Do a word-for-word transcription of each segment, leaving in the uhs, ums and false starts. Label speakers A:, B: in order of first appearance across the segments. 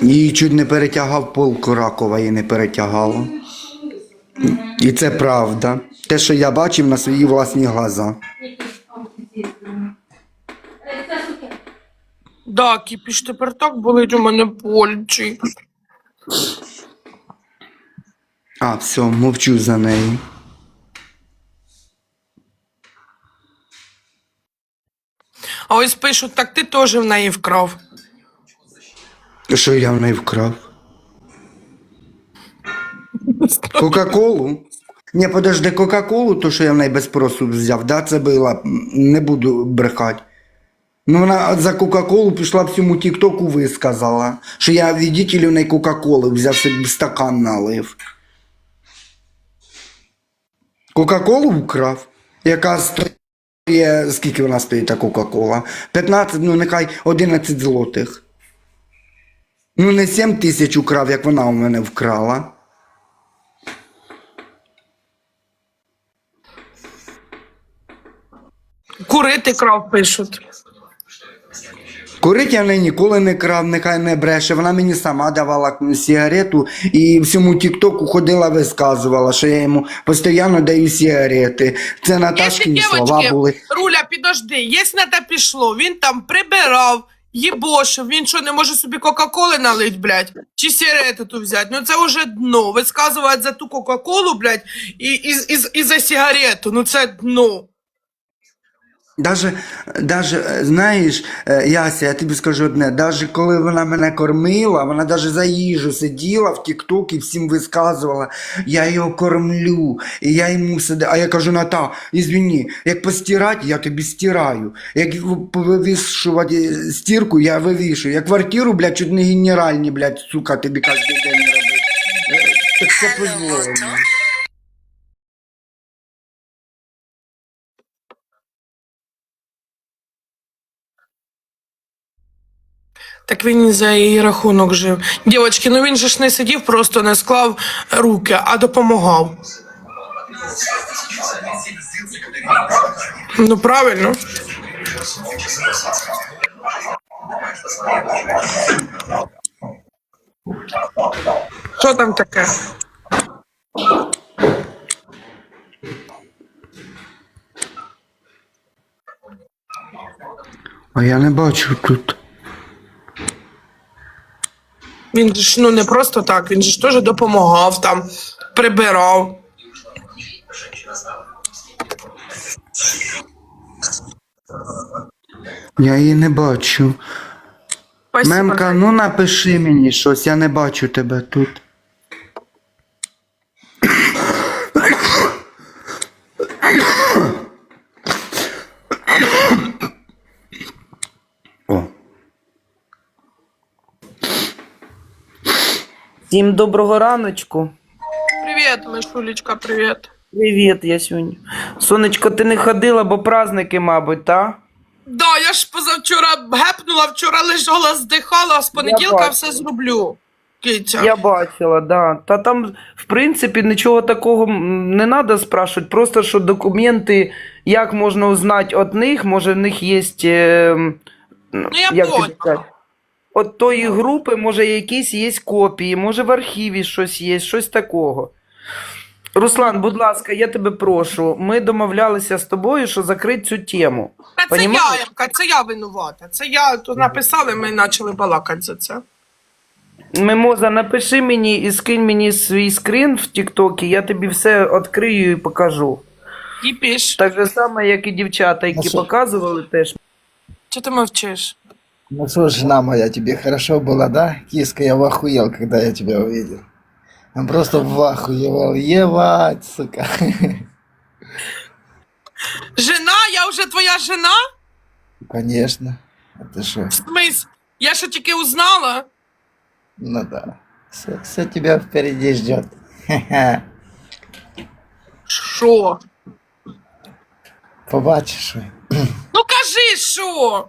A: Її чуть не перетягав полк Ракова, її не перетягало. І це правда. Те, що я бачив на свої власні глаза.
B: Да, кіпіш, тепер так болить у мене пальці.
A: А, все, мовчу за неї.
B: А ось пишуть, так ти теж в неї вкрав.
A: Що я в неї вкрав? Кока-колу? Ні, подожди, Кока-колу, то, що я в неї без спросу взяв, да, це було, не буду брехати. Ну, вона за Кока-колу пішла всьому тік-току висказала, що я відділю в неї Кока-коли, взяв собі стакан налив. Кока-колу вкрав, яка стоїть, скільки вона стоїть, та Кока-кола? п'ятнадцять, ну нехай одинадцять злотих. Ну не сім тисяч украв, як вона у мене вкрала.
B: Курити крав, пишуть.
A: Курить я в неї ніколи не крав, нехай не бреше. Вона мені сама давала сигарету і всьому тік-току ходила, висказувала, що я йому постійно даю сигарети. Це Наташкині слова були.
B: Руля, підожди, якщо на те пішло, він там прибирав, їбошив, він що, не може собі Кока-коли налить, блядь, чи сигарету ту взяти? Ну це вже дно, висказувати за ту Кока-колу, блядь, і, і, і, і за сигарету, ну це дно.
A: Даже, даже, знаєш, Яся, я тобі скажу одне, даже коли вона мене кормила, вона даже за їжу сиділа в тік-ток і всім висказувала, я його кормлю, і я йому сидю, а я кажу, Ната, ізвини, як постирати, я тобі стираю, як вивішувати стірку, я вивішую, я квартиру, блядь, чуть не генеральні, блядь, сука, тобі кожен день робить. Так це позволено.
B: Так він і за її рахунок жив. Дівочки, ну він же ж не сидів, просто не склав руки, а допомагав. Ну правильно. Що там таке?
A: А я не бачу тут.
B: Він же ж ну не просто так, він же ж теж допомагав там, прибирав.
A: Я її не бачу.
B: Спасибо.
A: Мемка, ну напиши мені щось, я не бачу тебе тут. О.
C: Всім доброго раночку.
B: Привіт, Мишулечка, привіт.
C: Привіт, Ясюнь. Сонечко, ти не ходила, бо праздники, мабуть, та?
B: Да, я ж позавчора гепнула, вчора лежала, здихала, а з понеділка
C: бачу.
B: все зроблю. Китя.
C: Я бачила, да. Та там, в принципі, нічого такого м, не треба спрашувати, просто що документи, як можна узнати від них, може в них є, е,
B: Ну я
C: як
B: поняла.
C: тобі сказати, от тої групи, може, якісь є копії, може в архіві щось є, щось такого. Руслан, будь ласка, я тебе прошу, ми домовлялися з тобою, що закрити цю тему.
B: Та це
C: Понімаєш?
B: я, Ямка, це я винувата. Це я тут написали, ми почали балакати за це.
C: Мимоза, напиши мені і скинь мені свій скрін в Тіктокі, я тобі все відкрию і покажу.
B: І піш.
C: Так же саме, як і дівчата, які
D: що?
C: показували теж.
B: Чого ти мовчиш?
D: Ну что, жена моя, тебе хорошо было, да? Киска, я вахуел, когда я тебя увидел. Я просто вахуевал. Ебать, сука.
B: Жена? Я вже твоя жена?
D: Конечно. А ты что?
B: В смислі? Я що тільки узнала?
D: Ну да. Все, все тебя впереди ждет.
B: Що?
D: Побачишь.
B: Ну кажи, що?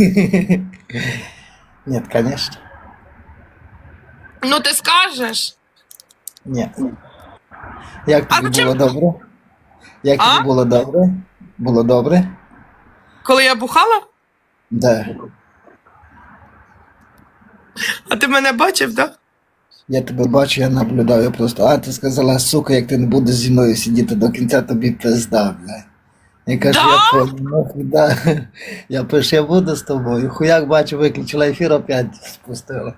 D: Нет, конечно.
B: Ну ти скажеш?
D: Нет. Як
B: А
D: тобі
B: чим-
D: було добре? Як
B: А?
D: тобі було добре? Було добре?
B: Коли я бухала?
D: Да.
B: А ти мене бачив, так? Да?
D: Я тебе бачу, я наблюдаю просто. А ти сказала, сука, як ти не будеш зі мною сидіти до кінця, тобі пизда, блядь. Я кажу,
B: Да?
D: я понял, нахуй, да. Я пишу, я буду з тобою. Хуяк бачу, виключила ефір, опять спустила.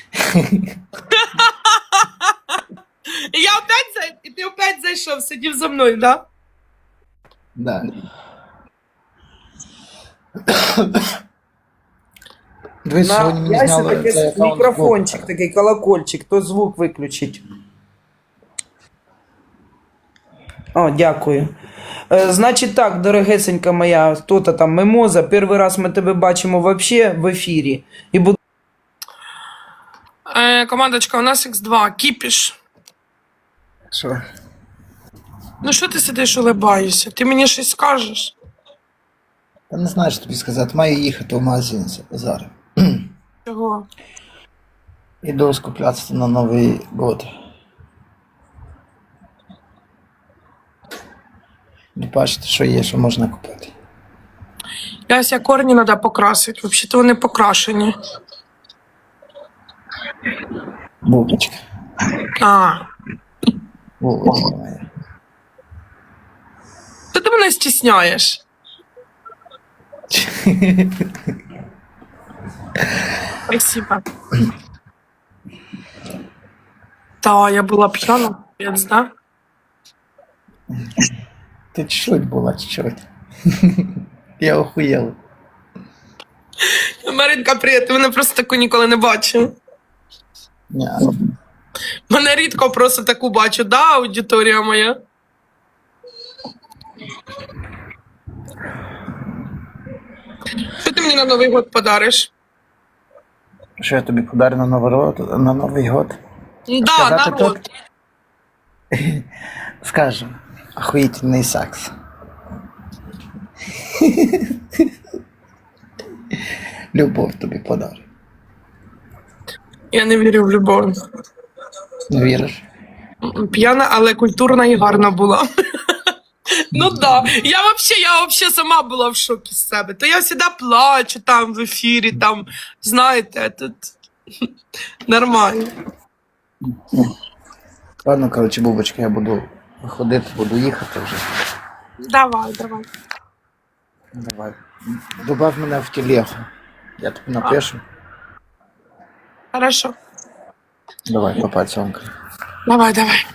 B: І я опять зай... і ти опять зайшов, сидів за мною, да?
D: Да. Дивись, сьогодні
C: На
D: мені
C: Ясі
D: зняли
C: таке
D: цей аккаунт
C: мікрофончик,
D: з
C: такий колокольчик, то звук виключить. О, дякую. Е, значить так, дорогесенька моя, хто-то там Мимоза, перший раз ми тебе бачимо вообще в ефірі. І буду
B: Е, командочка, у нас ікс два, кіпіш.
D: Що?
B: Ну що ти сидиш, улибаєшся? Ти мені щось скажеш?
D: Я не знаю, що тобі сказати. Маю їхати в магазин зараз.
B: Чого?
D: Іду скуплятися на Новий год. І бачите, що є, що можна купити.
B: Яся, корні треба покрасити. Взагалі-то вони покрашені.
D: Бубочка.
B: А,
D: Бубочка моя.
B: то ти мене стісняєш. Спасибо. Та, я була п'яна, п'єць, да?
D: Ти чуть-чуть була, чуть-чуть. Я охуєл.
B: Маринка, привіт, ти мене просто таку ніколи не бачив.
D: Ні.
B: Мене рідко просто таку бачу, да, аудиторія моя? Що ти мені на Новий год подариш?
D: Що я тобі подарю на Новий год? На Новий год?
B: Да,
D: Сказати
B: народ.
D: тут? Скажу. Охуїтельний секс. Любов тобі подарю.
B: Я не вірю в любов.
D: Не віриш?
B: П'яна, але культурна і гарна була. Ну да. Я вообще, я вообще сама була в шокі з себе. То я завжди плачу там в ефірі, там, знаєте, тут нормально.
D: Ладно, коротше, бубочка, я буду виходити, буду їхати вже.
B: Давай, давай.
D: Давай. Добав мене в телегу. Я тобі напишу.
B: Хорошо.
D: Давай, папа, цьомка.
B: Давай, давай.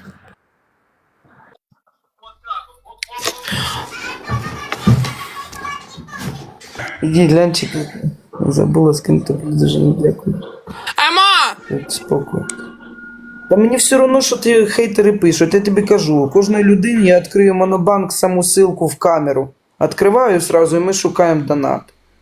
C: Іди, глянчик. Забула з ким тобі дуже не дякую.
B: Ема!
C: Спокій. Та мені все одно, що ти хейтери пишуть. Я тобі кажу, кожної людині я відкрию монобанк, саму ссылку в камеру. Откриваю сразу, і ми шукаємо донат.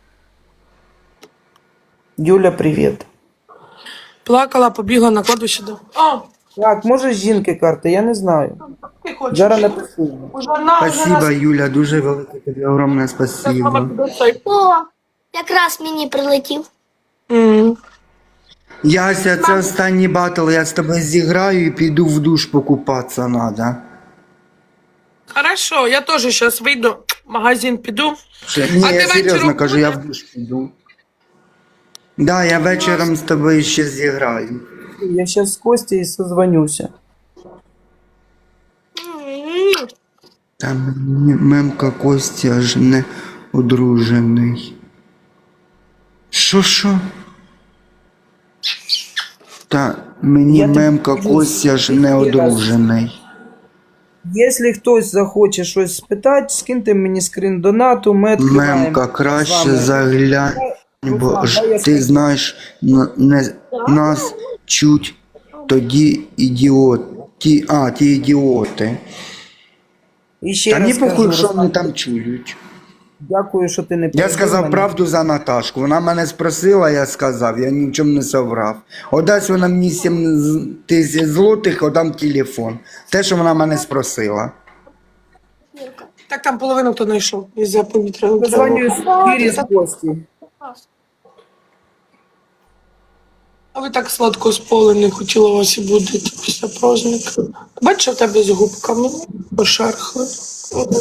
C: Юля, привіт.
B: Плакала, побігла на кладбище до. А,
C: Так, може з жінки карти, я не знаю.
B: ти хочеш?
C: Зараз напишу.
B: Уже на,
A: Спасибо, Юля, дуже велике тобі огромне спасибо.
E: О, якраз мені прилетів.
B: Mm.
A: Яся, це останній батл, я з тобою зіграю і піду в душ покупатися надо.
B: Хорошо, я теж зараз вийду, в магазин піду.
A: Ні,
B: А ти
A: я серйозно
B: вечором
A: кажу, я
B: будеш?
A: в душ піду. Да, я вечором з тобою ще зіграю.
C: Я зараз з Костю і созвонюся.
E: М,
A: Там мемка Костя аж не одружений. Що, що? Та мені
C: Я тобі
A: мемка
C: кажу,
A: Костя ж не
C: скільки раз.
A: одружений.
C: Якщо хтось захоче щось спитати, скиньте мені скрін донату, ми відкриваємо.
A: Мемка,
C: з
A: краще
C: вами.
A: заглянь, бо
C: Руслан,
A: ж
C: дай я
A: ти
C: скажу.
A: знаєш, н- не, нас чуть тоді ідіоти. А, ті ідіоти.
C: І ще
A: Та
C: раз
A: мені похуй,
C: кажу,
A: що
C: Руслан,
A: вони там чують.
C: дякую, що ти не
A: Я
C: перебив
A: сказав
C: мене.
A: правду за Наташку. Вона мене спросила, я сказав, я ні в чому не соврав. Одасть вона мені сім з- тисяч злотих, отдам телефон. Те, що вона мене спросила.
B: Так там половину хто знайшов. Із-за повітряного
C: Позвоню з ефірі з Кості.
B: А ви так сладко спали, не хотіла вас і будити після праздника. Бачиш, в тебе з губками пошерхли.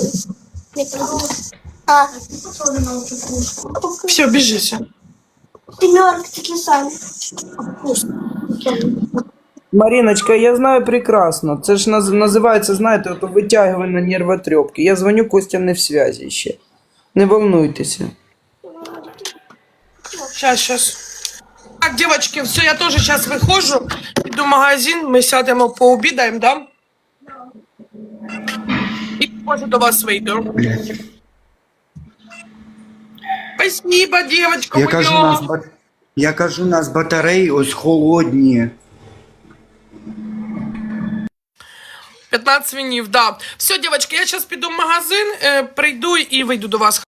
E: не прилетів. А,
B: Все, біжися.
E: Семерка таки сам.
C: Мариночка, я знаю прекрасно. Це ж наз- називається, знаєте, ото витягування нервотрепки. Я дзвоню, Костя не в связі ще. Не волнуйтеся.
B: Сейчас, сейчас. Так, девочки, все, я тоже сейчас выхожу. Иду в магазин, мы сядем, пообедаем, да? И позже до вас выйду. Спасибо, девочка,
A: Я кажу, нас,
B: моя.
A: ба- я кажу, у нас батареї ось холодні.
B: пятнадцать винив, да. Все, девочки, я сейчас пойду в магазин, э, прийду и выйду до вас.